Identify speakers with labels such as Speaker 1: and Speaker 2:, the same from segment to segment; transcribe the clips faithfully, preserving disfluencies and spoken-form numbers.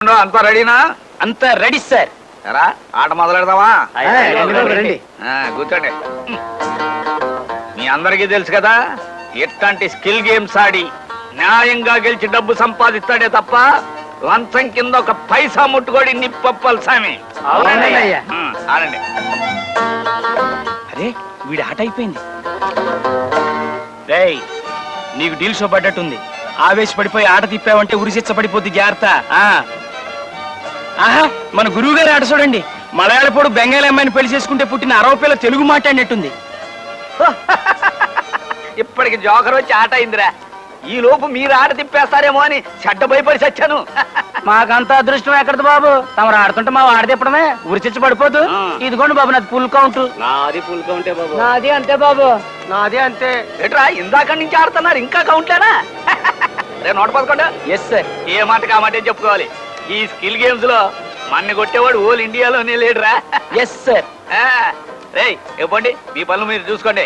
Speaker 1: పదకొండు అంతా రెడీనా?
Speaker 2: అంతా రెడీ సార్.
Speaker 1: ఎరా ఆట మొదలెడదామా? కూర్చోండి. మీ అందరికీ తెలుసు కదా, ఎట్లాంటి స్కిల్ గేమ్స్ ఆడి న్యాయంగా గెలిచి డబ్బు సంపాదిస్తాడే తప్ప లంచం కింద ఒక పైసా ముట్టుకోడి నిప్పప్పలు సామి. ఆడండి.
Speaker 2: అరే వీడి ఆట అయిపోయింది. రేయ్ నీకు డీల్ షో పడ్డట్టుంది. ఆవేశపడిపోయి ఆట తిప్పావంటే ఉరిశిచ్చ పడిపోద్ది, జాగ్రత్త. ఆహా మన గురువు గారి ఆట చూడండి. మలయాళపోడు బెంగాలీ అమ్మాయిని పెళ్లి చేసుకుంటే పుట్టిన అరవ పిల్ల తెలుగు మాట్లాడినట్టుంది.
Speaker 1: ఇప్పటికి జోకర్ వచ్చి ఆట అయిందిరా. ఈ లోపు మీరు ఆట తిప్పేస్తారేమో అని చెడ్డ భయపడి చచ్చాను.
Speaker 2: మాకంత అదృష్టం ఎక్కడది బాబు, తమరు ఆడుతుంటే మా ఆడ తిప్పడమే ఉరిచిచ్చి పడిపోదు. ఇదిగోండి బాబు నాది ఫుల్ కౌంట్.
Speaker 3: నాది ఫుల్ కౌంటే బాబు.
Speaker 2: నాది అంతే బాబు, నాది అంతే.
Speaker 1: ఏట్రా ఇందాక నుంచి ఆడుతున్నారు, ఇంకా కౌంట్లేనా? రే నూట పదకొండు.
Speaker 2: Yes sir.
Speaker 1: ఏ మాట కామాటే చెప్పుకోవాలి. ఈ స్కిల్ గేమ్స్ లో మన్ని కొట్టేవాడు ఓల్ ఇండియాలోనే లేడురా.
Speaker 2: Yes sir.
Speaker 1: రే ఇవ్వండి, మీ పనులు మీరు చూసుకోండి.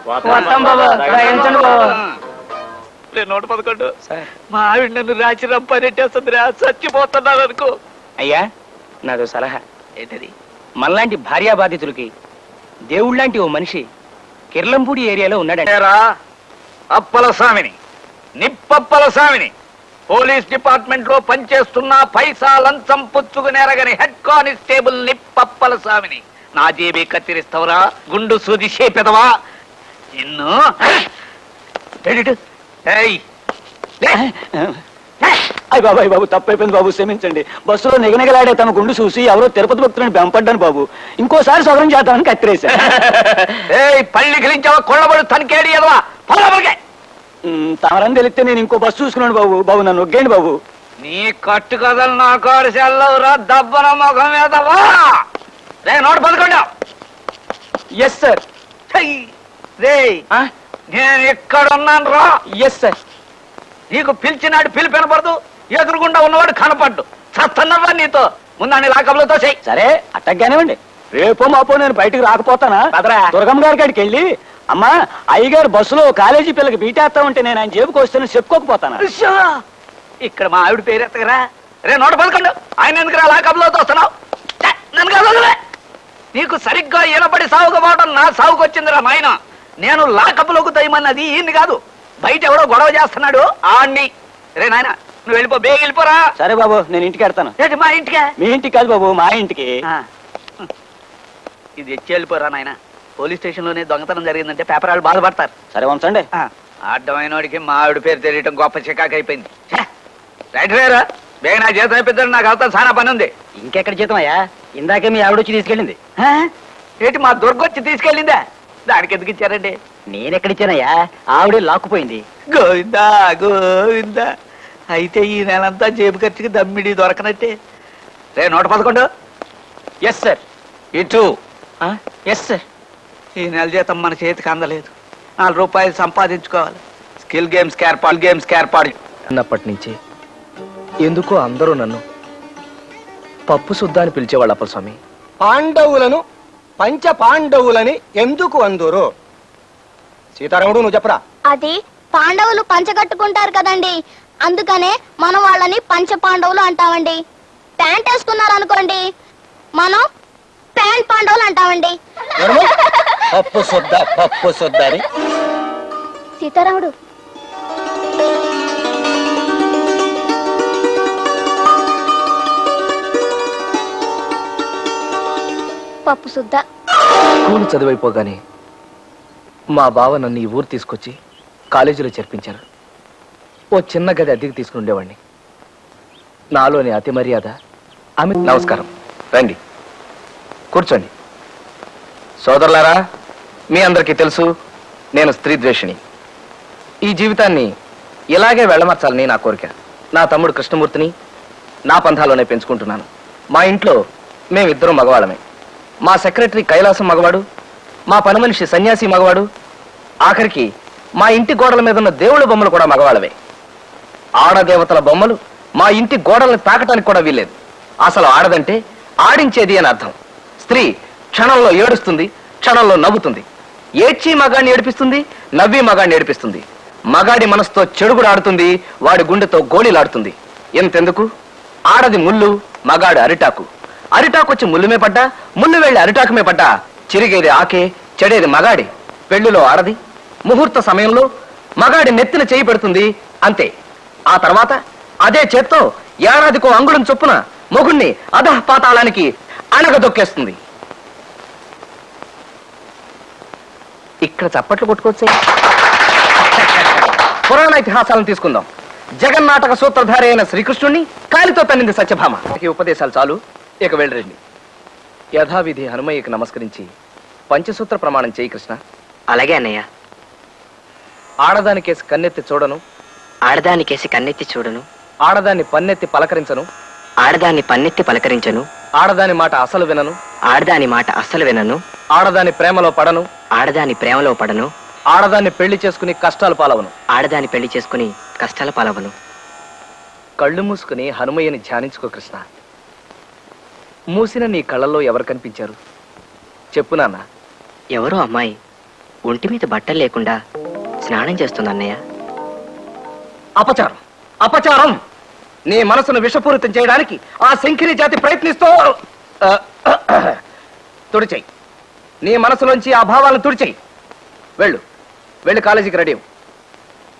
Speaker 1: నూట పదకొండు. మా ఆవిడ నన్ను రాచి రంపనెట్టేస్తుందిరా, చచ్చిపోతున్నాను అనుకో.
Speaker 2: అయ్యా నాదో సలహా.
Speaker 1: ఏంటది?
Speaker 2: మనలాంటి భార్యా బాధితులకి దేవుళ్ళంటి ఓ మనిషి కిర్లంపూడి ఏరియాలో ఉన్నాడంటారా?
Speaker 1: అప్పల స్వామిని, నిప్పప్పల స్వామిని, పోలీస్ డిపార్ట్మెంట్ లో పనిచేస్తున్న పైసా లంచం పుచ్చుకునేరగని హెడ్ కానిస్టేబుల్ నిప్పప్పల స్వామిని నా జేబీ కత్తిరిస్తావురా గుండు సూది చేపెదవా నిన్ను?
Speaker 2: అయ్య బాబాయ్ బాబు తప్పైపోయింది బాబు, క్షమించండి. బస్సులో నిగనిగలాడే తమ గుండు చూసి ఎవరో తిరుపతి భక్తులను బెంపడ్డాను బాబు. ఇంకోసారి సౌకర్యం చేద్దామని కత్తిరేశా.
Speaker 1: పళ్ళి గిలించావా కొళ్ళబడు తనకేడి ఎదవా పొలబడికే.
Speaker 2: తమరని తెలిస్తే నేను ఇంకో బస్సు చూసుకున్నాను బాబు. బాబు నన్ను ఒగ్గేయండి బాబు.
Speaker 1: నీ కట్టు కథలు నా కాడు సెల్లవురా దబ్బన ముఖం మీదవా. రే నూట పదకొండు.
Speaker 2: Yes sir.
Speaker 1: రే నేను ఎక్కడున్నాను రా.
Speaker 2: Yes sir.
Speaker 1: నీకు పిలిచినాడు పిలిపి వినపడదు, ఎదురుగుండా ఉన్నవాడు కనపడ్డు. చస్తున్నవా నీతో ముందాన్ని లాకబులతో చెయ్యి.
Speaker 2: సరే అట్టగ్గానేవ్వండి. రేపో మాపో నేను బయటకు రాకపోతానా? దుర్గమ్మ గారి కాడికి వెళ్ళి అమ్మా అయ్యగారు బస్సులో కాలేజీ పిల్లకి బీటేస్తా ఉంటే నేను ఆయన జేబుకి వస్తాను చెప్పుకోకపోతానా?
Speaker 1: ఇక్కడ మా ఆవిడ పేరెత్తగరా. రే నూట పదకొండు. ఆయన ఎందుకు రా లాకబులతో వస్తున్నావు? నన్ను కాదు, నీకు సరిగ్గా ఈనపడి సాగుకపోవడం నా సాగుకు వచ్చిందిరా నాయన. నేను లాకబులోకి దయమన్నది ఈయన్ని కాదు, బయట ఎవడో గొడవ చేస్తున్నాడు ఆడిని. రే నాయన నువ్వు వెళ్ళిపో, బేగ వెళ్ళిపోరా.
Speaker 2: సరే బాబు నేను ఇంటికి వెళ్తాను.
Speaker 1: ఏంటి మా ఇంటికే?
Speaker 2: మీ ఇంటికి కాదు బాబు, మా ఇంటికి.
Speaker 1: ఇది ఎచ్చి వెళ్ళిపోరా నాయన. పోలీస్ స్టేషన్ లోనే దొంగతనం జరిగిందంటే పేపర్ వాళ్ళు బాధపడతారు.
Speaker 2: సరే వంచండి.
Speaker 1: అడ్డమైన వాడికి మా ఆవిడ పేరు తెలియటం గొప్ప చికాకు అయిపోయింది. రైట్ రేరా, బేగ నా జీతం అయిపోతాడు, నాకు అవుతా చాలా పని ఉంది.
Speaker 2: ఇంకెక్కడ జీతం అయ్యా? ఇందాకే మీ ఆవిడ వచ్చి తీసుకెళ్ళింది.
Speaker 1: ఏంటి మా దుర్గొచ్చి తీసుకెళ్ళిందా? దానికి ఎందుకు ఇచ్చారండి?
Speaker 2: నేనెక్కడిచ్చానయ్యా, ఆవిడే లాక్కుపోయింది.
Speaker 1: గోవిందా గోవిందా. అయితే ఈ నెలంతా జేబు ఖర్చుకి దమ్మిడి దొరకనట్టే. రే నూట పదకొండు.
Speaker 2: Yes sir.
Speaker 1: ఇటు.
Speaker 2: Yes sir.
Speaker 1: ఈ నెల జీతం మన చేతికి అందలేదు, నాలుగు రూపాయలు సంపాదించుకోవాలి. స్కిల్ గేమ్స్ ఏర్పాటు గేమ్స్ ఏర్పాటు
Speaker 3: అన్నప్పటి నుంచి ఎందుకో అందరూ నన్ను పప్పు సుద్దా అని పిలిచేవాళ్ళు. అప్పల స్వామి,
Speaker 4: పాండవులను పంచ పాండవులని ఎందుకు అందురు? సీతారాముడు నువ్వు చెప్పరా.
Speaker 5: అది పాండవులు పంచగట్టుకుంటారు కదండి, అందుకనే మనం వాళ్ళని పంచ పాండవులు అంటామండి. ప్యాంట్ వేసుకున్నారు అనుకోండి, మనం ప్యాంట్ పాండవులు అంటామండి.
Speaker 4: పప్పు సుద్దా పప్పు సుద్దా అని.
Speaker 5: సీతారాముడు పప్పు సుద్దా.
Speaker 3: స్కూల్ చదివైపోగానే మా బావ నన్ను ఈ ఊరు తీసుకొచ్చి కాలేజీలో చేర్పించారు. ఓ చిన్న గది అద్దెకి తీసుకుని ఉండేవాడిని. నాలోని అతి మర్యాద ఆమె. నమస్కారం, రండి కూర్చోండి. సోదరులారా, మీ అందరికీ తెలుసు నేను స్త్రీ ద్వేషిని. ఈ జీవితాన్ని ఇలాగే వెళ్ళమర్చాలని నా కోరిక. నా తమ్ముడు కృష్ణమూర్తిని నా పంథాలోనే పెంచుకుంటున్నాను. మా ఇంట్లో మేమిద్దరం మగవాళ్ళమే. మా సెక్రటరీ కైలాసం మగవాడు, మా పని మనిషి సన్యాసి మగవాడు, ఆఖరికి మా ఇంటి గోడల మీద ఉన్న దేవుళ్ళ బొమ్మలు కూడా మగవాళ్ళవే. ఆడదేవతల బొమ్మలు మా ఇంటి గోడల్ని తాకటానికి కూడా వీల్లేదు. అసలు ఆడదంటే ఆడించేది అని అర్థం. స్త్రీ క్షణంలో ఏడుస్తుంది, క్షణంలో నవ్వుతుంది. ఏడ్చి మగాడిని ఏడిపిస్తుంది, నవ్వి మగాడిని ఏడిపిస్తుంది. మగాడి మనసుతో చెడుగుడు ఆడుతుంది, వాడి గుండెతో గోళీలాడుతుంది. ఎంతెందుకు ఆడది ముళ్ళు, మగాడు అరిటాకు. అరిటాకు వచ్చి ముళ్ళుమే పడ్డా, ముళ్ళు వెళ్ళి అరిటాకుమే పడ్డా, చిరిగేది ఆకే, చెడేది మగాడి. పెళ్లిలో ఆడది ముహూర్త సమయంలో మగాడి నెత్తిన చేయి పెడుతుంది, అంతే. ఆ తర్వాత అదే చేత్తో ఏడాదికో అంగుళం చొప్పున మొగుణ్ణి అధః పాతాళానికి అణగదొక్కేస్తుంది. ఇక్కడ చప్పట్లు కొట్టుకోవచ్చే. పురాణ ఇతిహాసాలను తీసుకుందాం. జగన్నాటక సూత్రధారి అయిన శ్రీకృష్ణుణ్ణి కాలితో తన్నింది సత్యభామ. ఈ ఉపదేశాలు చాలు, ఇక వెళ్ళరండి. యథావిధి హనుమయ్యకి నమస్కరించి పంచసూత్ర ప్రమాణం చేయి కృష్ణ.
Speaker 6: అలాగే అన్నయ్య.
Speaker 3: ఆడదానికేసి కన్నెత్తి చూడను,
Speaker 6: ఆడదానికేసి కన్నెత్తి చూడను,
Speaker 3: ఆడదాన్ని పన్నెత్తి పలకరించను,
Speaker 6: ఆడదాన్ని పన్నెత్తి పలకరించను,
Speaker 3: ఆడదాని మాట అసలు వినను,
Speaker 6: ఆడదాని మాట అస్సలు వినను,
Speaker 3: ఆడదాని ప్రేమలో పడను,
Speaker 6: ఆడదాని ప్రేమలో పడను,
Speaker 3: ఆడదాన్ని పెళ్లి చేసుకుని కష్టాలు పాలవను.
Speaker 6: ఆడదాని పెళ్లి చేసుకుని కష్టాల పాలవను.
Speaker 3: కళ్ళు మూసుకుని హనుమయ్యని ధ్యానించుకో కృష్ణ. మూసిన నీ కళ్ళల్లో ఎవరు కనిపించారు చెప్పు నాన్న.
Speaker 6: ఎవరో అమ్మాయి ఒంటి మీద బట్టలు లేకుండా స్నానం చేస్తుంది అన్నయ్య.
Speaker 3: అపచారం, అపచారం! నీ మనసును విషపూరితం చేయడానికి ఆ శంకిని జాతి ప్రయత్నిస్తూ ఆ, తుడిచేయి. నీ మనసులోంచి ఆ భావాలను తుడిచేయి. వెళ్ళు, వెళ్ళి కాలేజీకి రెడీ అవ్వు.